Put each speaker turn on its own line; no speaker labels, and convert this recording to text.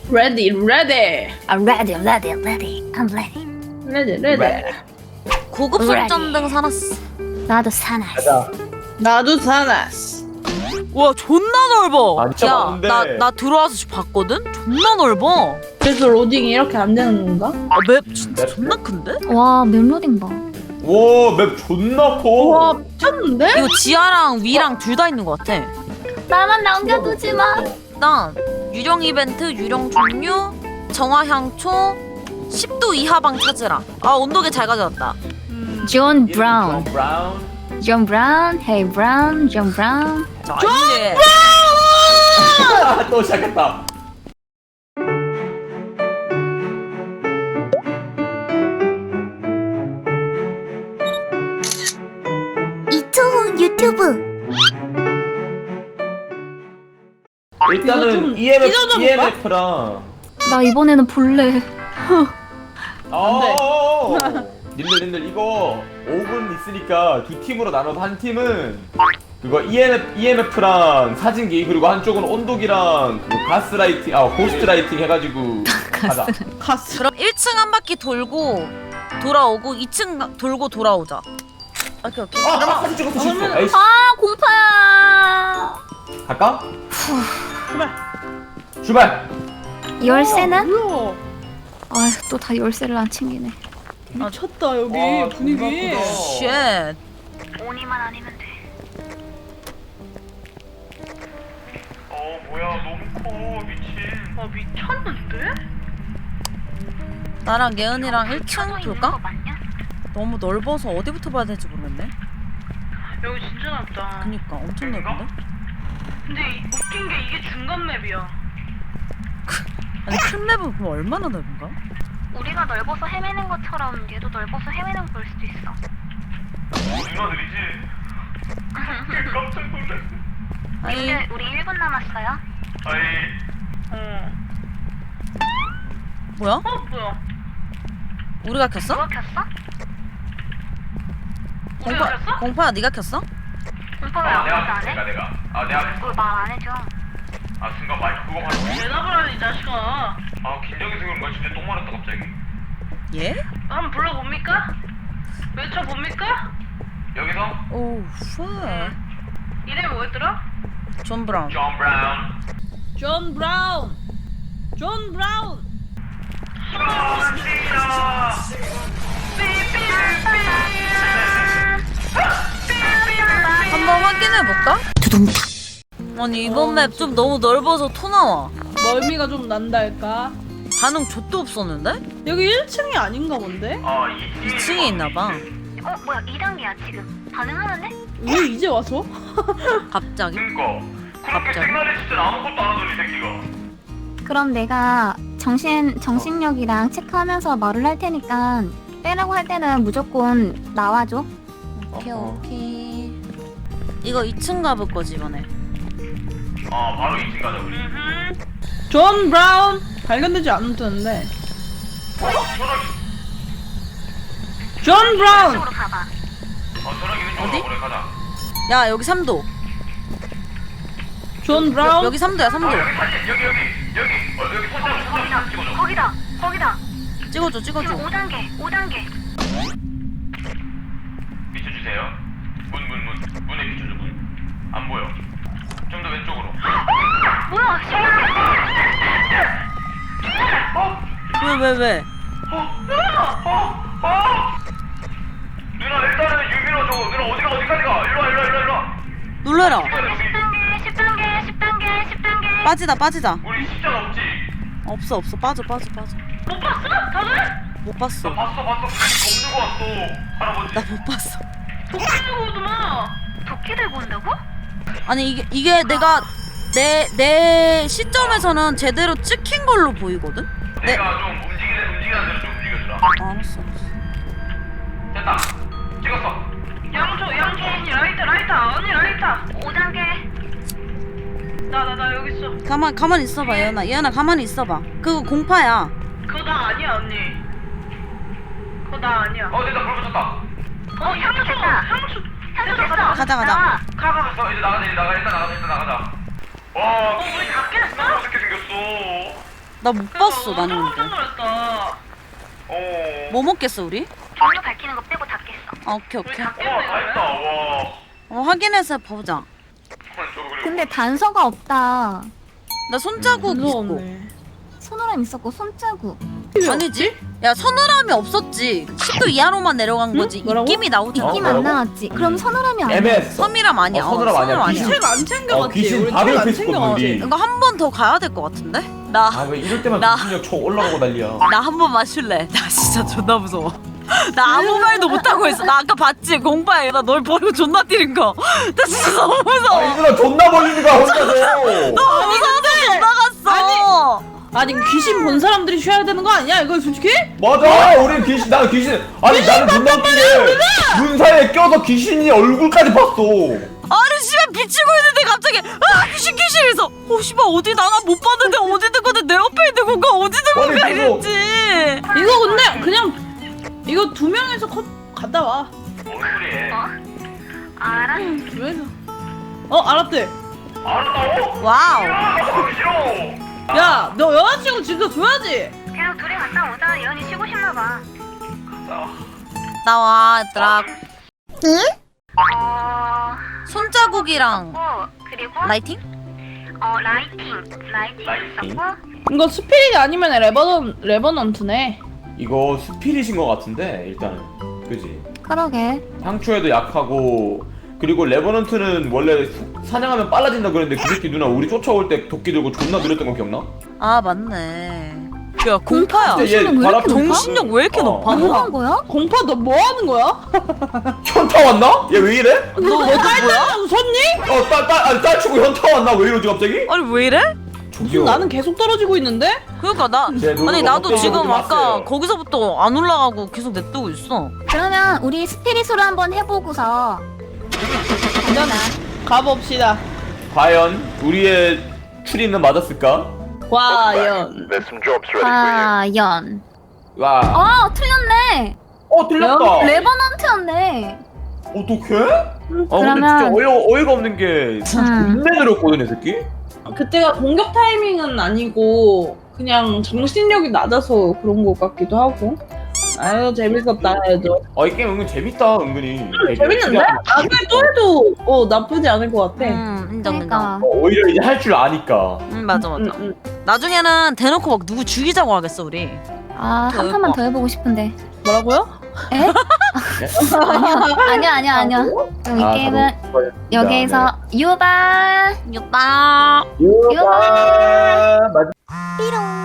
Ready, ready.
I'm ready, I'm ready, I'm ready, I'm ready.
Ready, ready.
고급 손전등 사놨어.
나도 사나.
가자.
나도 사놨어.
와 존나 넓어.
아, 진짜
야,
많은데.
나 들어와서 봤거든? 존나 넓어.
그래서 로딩이 이렇게 안 되는 건가?
아, 맵 진짜
맵?
존나 큰데?
와, 멜로딩 봐.
와, 맵 존나 커.
와, 미쳤는데?
이거 지하랑 위랑 둘 다 있는 것 같아.
나만 남겨두지 마.
일단 유령 이벤트, 유령 종류, 정화향초, 10도 이하방 찾으라. 아 온도계 잘 가져왔다.
존 브라운.
브라운.
존 브라운. 헤이 브라운. 존 브라운.
자, 이제
또 시작했다.
이초훈 유튜브.
일단은
좀 찢어져 볼까?
EMF랑
나 이번에는 볼래.
님들 이거 5분 있으니까 두 팀으로 나눠서 한 팀은 그거 EMF랑 사진기 그리고 한쪽은 온도기랑 그 가스라이팅 고스트라이팅 해가지고 가자.
갔어.
그럼 1층 한 바퀴 돌고 돌아오고 2층 돌고 돌아오자. 오케이 오케이.
아, 사진 찍었어 실수. 에이씨.
아, 공파야.
갈까?
출발.
출발.
열쇠는?
뭐야?
아, 또 다 열쇠를 안 챙기네.
미쳤다 여기
와,
분위기.
존나 크다.
쉣.
오니만 아니면 돼.
뭐야 너무 커 미친.
아 미쳤는데?
나랑 예은이랑 1층 돌까? 너무 넓어서 어디부터 봐야 될지 모르겠네.
여기 진짜 넓다.
그니까 엄청 넓은데?
근데 웃긴 게 이게 중간 맵이야.
아니 큰 맵은 그럼 얼마나 넓은가?
우리가 넓어서 헤매는 것처럼 얘도 넓어서 헤매는 걸 수도 있어.
누나 느리지? 깜짝 놀랐어.
아니
우리 1분 남았어요.
뭐야?
뭐야?
우리가 켰어?
누가 켰어?
공파야 네가 켰어?
공파 왜안 해?
내가
그걸 말 안 해줘.
순간 마이크 그거 말고.
대답을 하는 이 자식아.
긴장해서 그런 거야. 진짜 똥 말았다 갑자기.
예?
한번 불러봅니까? 외쳐봅니까?
여기서
오우 쉣.
이름이 뭐였더라?
존 브라운.
존 브라운.
존 브라운. 존 브라운.
한번 확인해볼까? 아니 이번 맵 좀 너무 넓어서 토 나와.
멀미가 좀 난달까?
반응 좆도 없었는데?
여기 1층이 아닌가 본데?
2층에 있나봐.
뭐야, 2단계야 지금. 반응하는데?
왜 이제 와서?
갑자기?
그니까.
갑자기?
진짜 아무것도 안 하더니 새끼가.
그럼 내가 정신력이랑 체크하면서 말을 할 테니까 빼라고 할 때는 무조건 나와줘.
오케이 오케이. 이거 2층 가볼 거지 이번에.
바로 2층 가자 우리.
존 브라운 발견되지 않았는데. 존 브라운.
이쪽으로 가봐.
어디? 야 여기 3도.
존 브라운.
여기 3도야 3도.
여기 손잡 찍어줘.
거기다.
찍어줘
지금
찍어줘.
5단계.
비춰주세요. 문에 비춰줘 문. 안 보여. 좀 더 왼쪽으로.
뭐야,
왜?
누나 일단은 유미로 줘. 누나 어디까지 가? 일로 와.
놀래라.
10단계.
빠지다.
우리 십자가 없지?
없어 빠져.
못 봤어? 다들?
못 봤어.
봤어. 겁주고 왔어. 할아버지.
나 못 봤어.
도끼 들고 오더만.
도끼 들고 온다고?
아니 이게 내가 내 시점에서는 제대로 찍힌 걸로 보이거든?
내가 좀 움직이는 대로 좀 움직여주라.
알았어.
됐다. 찍었어.
양초 언니 라이터.
5단계.
나 여기 있어.
가만 있어봐 예은아 가만히 있어봐. 그거 공파야.
그거 나 아니야 언니. 그거 나 아니야.
됐다. 불 붙였다.
향초 됐다.
향수
됐어.
가자.
가.
됐어. 이제 나가자. 일단 나가자. 와,
우리 다 깼어?
어떻게 생겼어?
나 못 봤어 나는
깜짝
근데.
놀랐다.
뭐 먹겠어 우리?
종류 밝히는 거 빼고 다 깼어.
아 오케이
우리
오케이.
다 깼네.
확인해서 보자.
근데 단서가 없다.
나 손자국 있고.
무서웠네.
손오람 있었고 손자국.
아니지? 야 서늘함이 없었지. 10도 이하로만 내려간 거지.
뭐라고?
입김이 나오지.
입김
뭐라고?
안 나왔지. 그럼 서늘함이 아니야.
애매했어.
섬이람 아니야.
서늘함 아니야.
서늘함
귀신.
책 안 챙겨갔지.
귀신
우리
바로
책안
옆에 있었거든
챙겨갔지.
우리.
이거 한 번 더 가야 될 것 같은데? 나
아 왜 이럴 때만
나-
귀신력 쳐 올라가고 난리야.
나 한 번 마실래. 나 진짜 존나 무서워. 나 아무 말도 못하고 있어. 나 아까 봤지? 공파에 나 널 버리고 존나 뛰는 거. 나 진짜 너무 무서워.
아 이들아 존나 벌리는 거야 혼자서.
너무 무서워서 나갔어.
아니 귀신 본 사람들이 쉬어야 되는 거 아니야? 이거 솔직히?
맞아 우린 귀신 나 귀신 아니 나는 존나 웃긴 게눈 사이에 껴서 귀신이 얼굴까지 봤어.
아니 씨발 비치고 있는데 갑자기 아 귀신 이래서 씨발 어디 나가 못 봤는데 어디 있는 건데 내 옆에 있는 건가 어디 있는 건가
아니, 그거-
이랬지.
이거 근데 그냥 이거 두 명에서 갔다 와.
알아?
두 명에서. 알았대.
와우.
야, 너 여자친구 지켜줘야지.
그냥 둘이 갔다 오자. 예언이 쉬고 싶나 봐.
나와 얘들아.
어...
손자국이랑
그리고
라이팅?
라이팅 있었고.
이거 스피릿 아니면 레버넌트네.
이거 스피릿인 것 같은데 일단은 그지.
그러게.
향초에도 약하고 그리고 레버넌트는 원래 사냥하면 빨라진다 그랬는데 그 새끼 누나 우리 쫓아올 때 도끼 들고 존나 느렸던 거 기억나?
아 맞네. 야 공파야.
근데 얘
정신력 왜
발
이렇게
앞에
높아?
정신력 왜 이렇게 높아?
뭐 한 거야?
공파 너 뭐 하는 거야?
현타 왔나? 얘 왜 이래?
너 어디 뭐야?
웃었니?
딸 치고 현타 왔나? 왜 이러지 갑자기?
아니 왜 이래?
저기요.
나는 계속 떨어지고 있는데?
그러니까 나
쟤 누구
아니 나도
어떤
지금
분이
아까
왔어요?
거기서부터 안 올라가고 계속 냅두고 있어.
그러면 우리 스피릿으로 한번 해보고서.
일단 가봅시다.
과연 우리의 추리는 맞았을까?
과연.
There's some jobs ready for you.
과연.
와.
틀렸네.
틀렸다.
레버넌트였네.
어떡해? 아 근데
그러면-
진짜 어이가 없는 게 존나 느렸거든 이 새끼?
그때가 공격 타이밍은 아니고 그냥 정신력이 낮아서 그런 것 같기도 하고. 아유 재밌었다 해도.
이 게임 은근 재밌다 은근히.
재밌는데? 나중에 또 해도 나쁘지 않을 것 같아.
인정 인정.
그러니까.
오히려 이제 할 줄 아니까.
맞아 맞아.
응.
나중에는 대놓고 막 누구 죽이자고 하겠어 우리.
한 판만 더 해보고 싶은데.
뭐라고요?
에? 아니야. 이 게임은 여기에서 유바.
유빠.
유바.
삐롱.